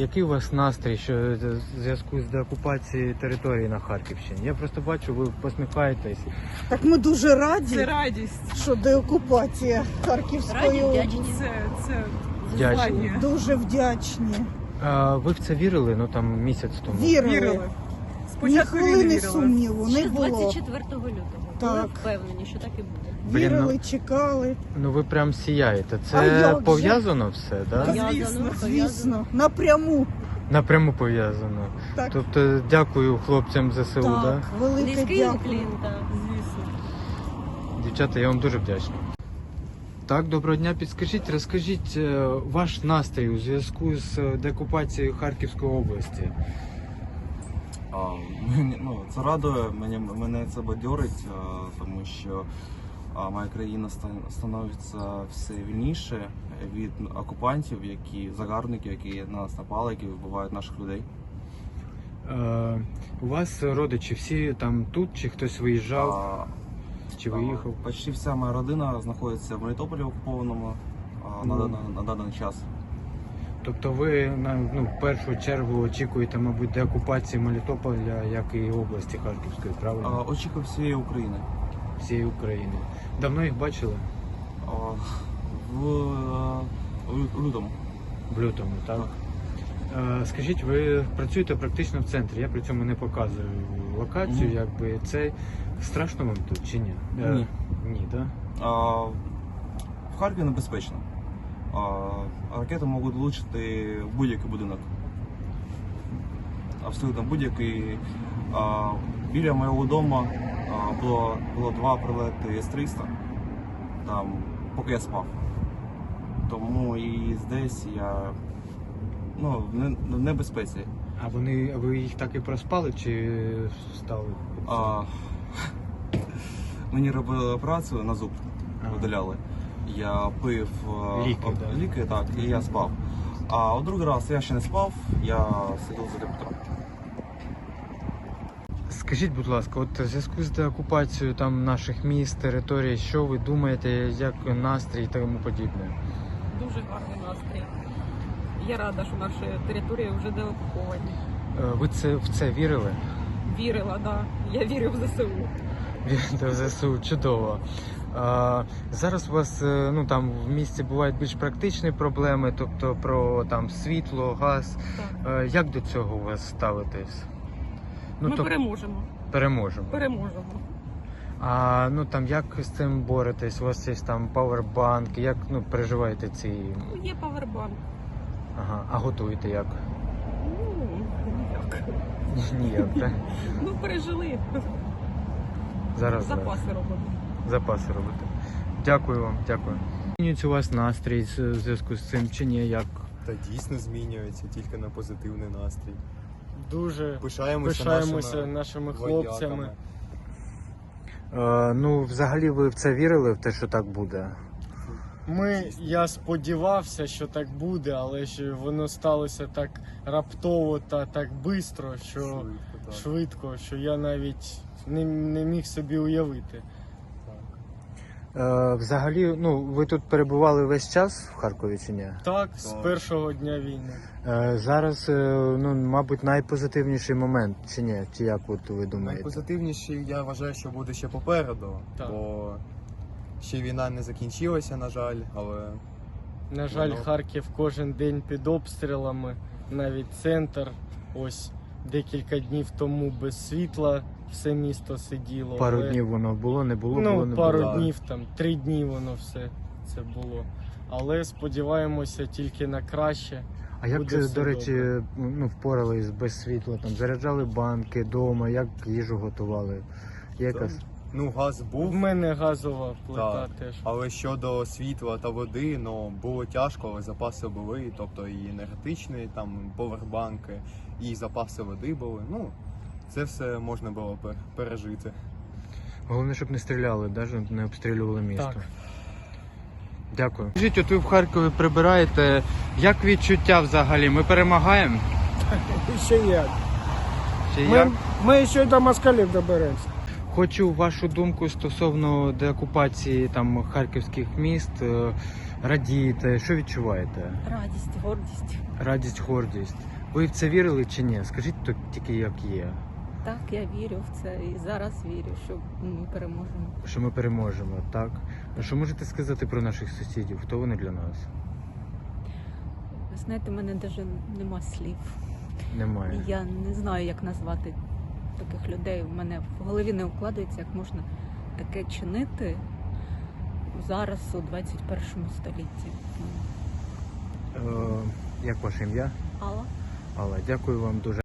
який у вас настрій що в зв'язку з деокупацією території на Харківщині? Я просто бачу, ви посміхаєтесь. Так ми дуже раді, Це радість. що деокупація Харківської області. Це Вдячні. звання. Дуже вдячні. Ви в це вірили, ну там місяць тому? Вірили. Ні Спочатку хвилини хвилини вірила. сумніву не Ще було. 24 лютого. Так. Були впевнені, що так і буде. Блін, Вірили, ну- чекали. Ну ви прям сіяєте. А Це як же? пов'язано все, да? Звісно. Звісно, напряму. Напряму пов'язано. Так, Тобто дякую хлопцям ЗСУ, так, да? велике Низький дякую. уклін, так. Звісно. Дівчата, я вам дуже вдячний. Так, доброго дня. Підскажіть, розкажіть ваш настрій у зв'язку з деокупацією Харківської області. Це радує, мене це бадьорить, тому що моя країна становиться все вільніше від окупантів, загарбників, які на нас напали, які вбивають наших людей. У вас родичі всі там тут, чи хтось виїжджав, чи виїхав? Почти вся моя родина знаходиться в Мелітополі окупованому на даний час. Тобто ви в першу чергу очікуєте, мабуть, деокупації Мелітополя, як і області Харківської, правильно? Очікую всієї України. Всієї України. Давно їх бачили? В лютому. В лютому, так? Скажіть, ви працюєте практично в центрі, я при цьому не показую локацію, якби це страшно вам тут чи ні? Ні. Ні, так? В Харкові небезпечно. Ракети можуть влучити в будь-який будинок. Абсолютно будь-який. Біля моєго дому було 2 прильоти С-300, там, поки я спав. Тому і здесь я в небезпеці. А ви їх так і проспали чи встали? Мені робили операцію на зуб, видаляли. Я пив ліки, так, і я спав. А у другий раз я ще не спав, я сидів за комп'ютером. Скажіть, будь ласка, от в зв'язку з деокупацією там наших міст, територій, що ви думаєте, як настрій і тому подібне? Дуже гарний настрій. Я рада, що наші території вже деокуповані. Ви в це вірили? Вірила, так. Да. Я вірю в ЗСУ. Вірите в ЗСУ, чудово. Зараз у вас там в місті бувають більш практичні проблеми, тобто про там світло, газ. Так. Як до цього у вас ставитесь? Ми переможемо. Переможемо. Переможемо. А як з цим боретесь? У вас є там павербанк, як переживаєте ці? Є павербанк. Ага, а готуєте як? Ніяк. Ніяк, так? Пережили. Зараз. Запаси робимо. Запаси робите. Дякую вам, дякую. Змінюється у вас настрій в зв'язку з цим чи ні? Як? Та дійсно змінюється, тільки на позитивний настрій. Дуже Пишаємося нашими хлопцями. Взагалі ви в це вірили, в те, що так буде? Я сподівався, що так буде, але що воно сталося так раптово та так швидко, що я навіть не міг собі уявити. Взагалі, ви тут перебували весь час в Харкові чи ні? Так, з першого дня війни. Зараз, мабуть, найпозитивніший момент, чи ні? Чи як ви думаєте? Найпозитивніший, я вважаю, що буде ще попереду, Так. бо ще війна не закінчилася, на жаль, але... На жаль, Харків кожен день під обстрілами, навіть центр, ось декілька днів тому без світла все місто сиділо. Пару днів воно було, не було, не пару було. днів, 3 дні воно все це було. Але сподіваємося тільки на краще. А як, Буде все до речі, добре. впорались без світла? Там заряджали банки вдома, як їжу готували? Газ був, В мене газова плита Так. теж. але щодо світла та води, було тяжко, але запаси були, тобто і енергетичні, там, повербанки, і запаси води були. Це все можна було пережити. Головне, щоб не стріляли, навіть не обстрілювали місто. Так. Дякую. Скажіть, от ви в Харкові прибираєте. Як відчуття взагалі? Ми перемагаємо? Ще як. Чи як? Ми ще й до москалів доберемося. Хочу вашу думку стосовно деокупації там харківських міст. Радієте, що відчуваєте? Радість, гордість. Радість, гордість. Ви в це вірили чи ні? Скажіть то тільки як є, Так, я вірю в це і зараз вірю, що ми переможемо. що ми переможемо, так? А що можете сказати про наших сусідів? Хто вони для нас? Ви знаєте, в мене навіть нема слів. Немає. Я не знаю, як назвати таких людей. У мене в голові не укладається, як можна таке чинити зараз у 21 столітті. Як ваше ім'я? Алла? Алла, дякую вам дуже.